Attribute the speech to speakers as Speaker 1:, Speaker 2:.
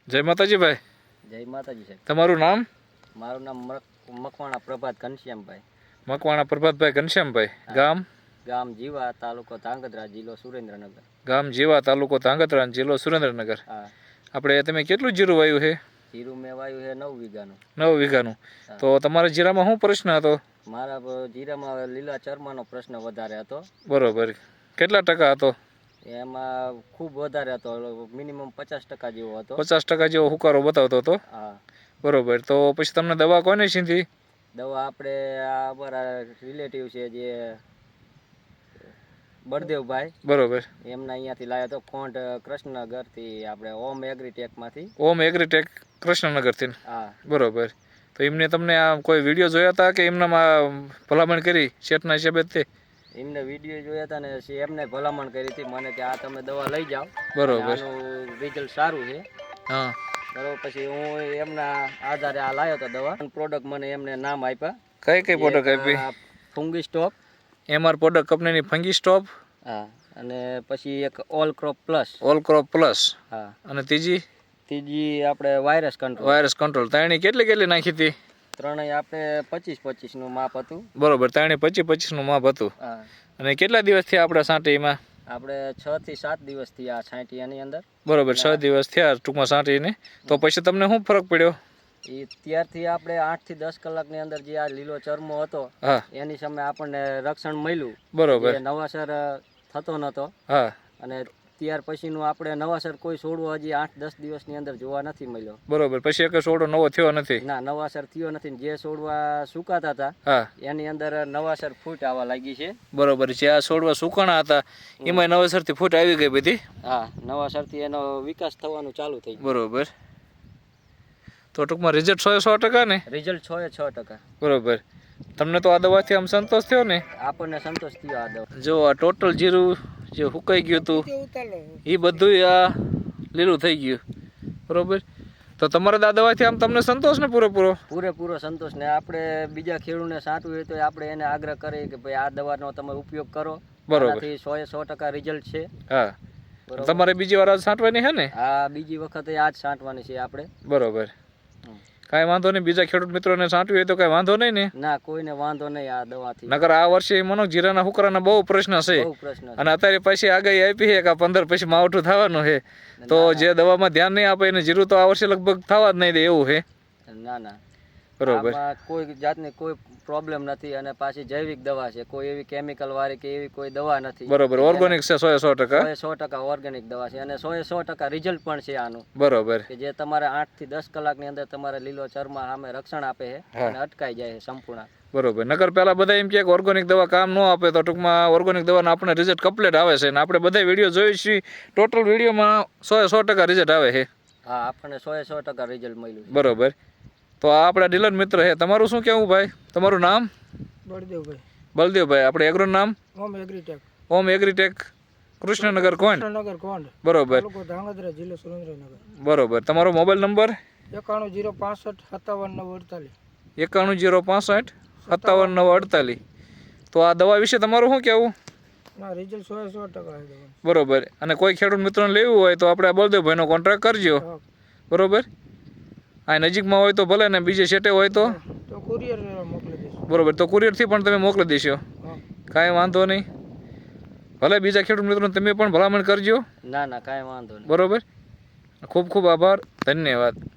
Speaker 1: જય માતાજી ભાઈ.
Speaker 2: જય માતાજી સાહેબ.
Speaker 1: તમારું નામ?
Speaker 2: મારું નામ મકવાણા પ્રભાત ઘનશ્યામભાઈ.
Speaker 1: મકવાણા પ્રભાતભાઈ ઘનશ્યામભાઈ. ગામ?
Speaker 2: ગામ જીવા, તાલુકો ધાંગધ્રા, જિલ્લો સુરેન્દ્રનગર.
Speaker 1: ગામ જીવા, તાલુકો ધાંગધ્રા, જિલ્લો સુરેન્દ્રનગર.
Speaker 2: હા.
Speaker 1: આપણે તમે કેટલું જીરું વાવ્યું છે?
Speaker 2: જીરું મેં વાવ્યું છે 9 વીઘાનું.
Speaker 1: 9 વીઘાનું. તો તમારા જીરામાં શું પ્રશ્ન હતો?
Speaker 2: મારા જીરામાં લીલા ચરમાનો પ્રશ્ન વધારે હતો.
Speaker 1: બરોબર. કેટલા ટકા હતો?
Speaker 2: એમાં ખૂબ વધારે હતો, મિનિમમ 50% જેવો હતો.
Speaker 1: 50% જેવો હુકારો બતાવતો હતો.
Speaker 2: હા.
Speaker 1: બરોબર. તો પછી તમને દવા કોને સીધી?
Speaker 2: દવા આપણે આ અમારા રિલેટિવ છે જે બળદેવભાઈ.
Speaker 1: બરોબર.
Speaker 2: એમના અહીંયાથી લાવ્યો હતો, કોંઢ કૃષ્ણનગરથી, આપણે ઓમ એગ્રીટેકમાંથી.
Speaker 1: ઓમ એગ્રીટેક કૃષ્ણનગરથી.
Speaker 2: હા.
Speaker 1: બરોબર. તો એમને તમને આ કોઈ વિડીયો જોયા હતા કે એમનામાં ભલામણ કરી શેઠના હિસાબે તે?
Speaker 2: એમને વિડીયો જોયા હતા ને એમને ભલામણ કરી હતી મને કે આ તમે દવા લઈ જાઓ.
Speaker 1: બરોબર.
Speaker 2: આનું રિઝલ્ટ સારું છે.
Speaker 1: હા.
Speaker 2: બરોબર. પછી હું એમના આધારે આ લાવ્યો હતો દવા. પ્રોડક્ટ મને એમને નામ આપ્યા.
Speaker 1: કઈ પ્રોડક્ટ આપી?
Speaker 2: Fungi stop.
Speaker 1: એમઆર પ્રોડક્ટ કંપનીની ફંગી સ્ટોપ.
Speaker 2: હા. અને પછી એક all crop plus.
Speaker 1: All crop plus.
Speaker 2: હા.
Speaker 1: અને ત્રીજી
Speaker 2: આપણે વાયરસ કંટ્રોલ.
Speaker 1: Virus control. ત્રણેય કેટલી નાખી હતી?
Speaker 2: ત્રણેય આપણે 25-25 નું માપ હતું.
Speaker 1: બરોબર. ત્રણેય 25-25 નું માપ હતું.
Speaker 2: હા.
Speaker 1: અને કેટલા દિવસથી આપણે છાંટીમાં?
Speaker 2: આપણે 6 થી 7 દિવસથી આ છાંટી એની અંદર.
Speaker 1: બરોબર. 6 દિવસ થયા ટૂંકમાં છાંટીને. તો પછી તમને શું ફરક પડ્યો?
Speaker 2: એ ત્યારથી આપણે 8 થી 10 કલાકની અંદર જે આ લીલો ચરમો હતો એની સામે આપણને રક્ષણ મળ્યું.
Speaker 1: બરોબર.
Speaker 2: નવાસર થતો નતો.
Speaker 1: હા.
Speaker 2: અને ત્યાર પછીનું આપણે નવાસર કોઈ છોડવો હજી 8-10 દિવસની અંદર જોવા નથી મળ્યો.
Speaker 1: બરોબર. પછી એક છોડો નવો થયો નથી?
Speaker 2: ના, નવાસર થયો નથી. જે છોડવા સુકાતા હતા એની અંદર નવાસર ફૂટ આવવા લાગી છે.
Speaker 1: બરોબર. જે આ છોડવા સુકાણા હતા એમાં નવાસરથી ફૂટ આવી ગઈ બધી?
Speaker 2: હા, નવાસરથી એનો વિકાસ થવાનું ચાલુ થઈ ગયું.
Speaker 1: બરોબર. તો ટૂંકમાં રિઝલ્ટ 100% ને?
Speaker 2: રિઝલ્ટ 100%.
Speaker 1: બરોબર. તમને તો આ દવાથી આમ સંતોષ થયો ને?
Speaker 2: આપણને સંતોષ થયો આ દવા.
Speaker 1: જો આ ટોટલ જીરું જે હુકાઈ ગયું હતું એ બધું આ લીલું થઈ ગયું. બરોબર. તો તમારે આ દવાથી આમ તમને સંતોષ ને? પૂરેપૂરો સંતોષ ને. આપણે બીજા ખેડૂતને છાંટવું હોય તો આપણે એને આગ્રહ કરીએ કે ભાઈ આ દવાનો તમે ઉપયોગ કરો. બરોબર. 100% રિઝલ્ટ છે. હા. તમારે બીજી વાર છાંટવાની છે ને? હા, બીજી વખતે આ જ છાંટવાની છે આપણે. બરોબર. કાંઈ વાંધો નહીં. બીજા ખેડૂત મિત્રોને છાંટવી હોય તો કાંઈ વાંધો નહીં ને? ના, કોઈને વાંધો નહીં આ દવાથી. નકર આ વર્ષે મનો જીરાના હુકરાના બહુ પ્રશ્ન છે. અને અત્યારે પછી આગાહી આપી છે કે 15 પછી માવઠું થવાનું છે. તો જે દવામાં ધ્યાન નહીં આપે એને જીરું તો આ વર્ષે લગભગ થવા જ નહીં દે એવું છે. ના. બરોબર. કોઈ જાતની કોઈ પ્રોબ્લેમ નથી. અને પાછી જૈવિક દવા છે, કોઈ એવી કેમિકલ વાળી કે એવી કોઈ દવા નથી. બરોબર. ઓર્ગેનિક છે 100%. 100% ઓર્ગેનિક દવા છે. અને 100% રિઝલ્ટ પણ છે આનું. બરોબર. કે જે તમારે 8 થી 10 કલાકની અંદર તમારે લીલો ચરમા સામે રક્ષણ આપે છે અને અટકાઈ જાય છે સંપૂર્ણ. બરોબર. નકર પેલા બધા એમ કે ઓર્ગેનિક દવા કામ ન આપે, તો ટૂંકમાં ઓર્ગેનિક દવાના આપણે રિઝલ્ટ કમ્પ્લીટ આવે છે. અને આપણે બધા વિડીયો જોઈએ છીએ, ટોટલ વિડીયોમાં 100% રિઝલ્ટ આવે છે. હા, આપણને 100% રિઝલ્ટ મળ્યું. બરોબર. તો આ આપણા ડીલર મિત્ર છે. તમારું શું કહેવું ભાઈ? તમારું નામ?
Speaker 3: બળદેવભાઈ.
Speaker 1: બળદેવભાઈ. આપણે એગ્રો નામ?
Speaker 3: ઓમ એગ્રીટેક.
Speaker 1: ઓમ એગ્રીટેક કૃષ્ણનગર કોણ?
Speaker 3: કૃષ્ણનગર કોણ.
Speaker 1: બરોબર.
Speaker 3: તાલુકો ધાંગધ્રા, જિલ્લો સુરેન્દ્રનગર.
Speaker 1: બરોબર. તમારો મોબાઈલ નંબર?
Speaker 3: 9105657948.
Speaker 1: 9105657948. તો આ દવા વિશે તમારું શું કહેવું?
Speaker 3: ના, રિઝલ્ટ 100%
Speaker 1: બરોબર. અને કોઈ ખેડૂત મિત્રોને લેવું હોય તો આપણે આ બળદેવભાઈનો કોન્ટ્રાક્ટ કરજો. બરોબર. આ નજીકમાં હોય તો ભલે, ને બીજે સેટે હોય તો
Speaker 3: કુરિયર મોકલી દઈશું.
Speaker 1: બરોબર. તો કુરિયરથી પણ તમે મોકલી દેશો. કાંઈ વાંધો નહીં. ભલે બીજા ખેડૂત મિત્રોને તમે પણ ભલામણ કરજો.
Speaker 2: ના, કાંઈ વાંધો નહીં.
Speaker 1: બરોબર. ખૂબ ખૂબ આભાર. ધન્યવાદ.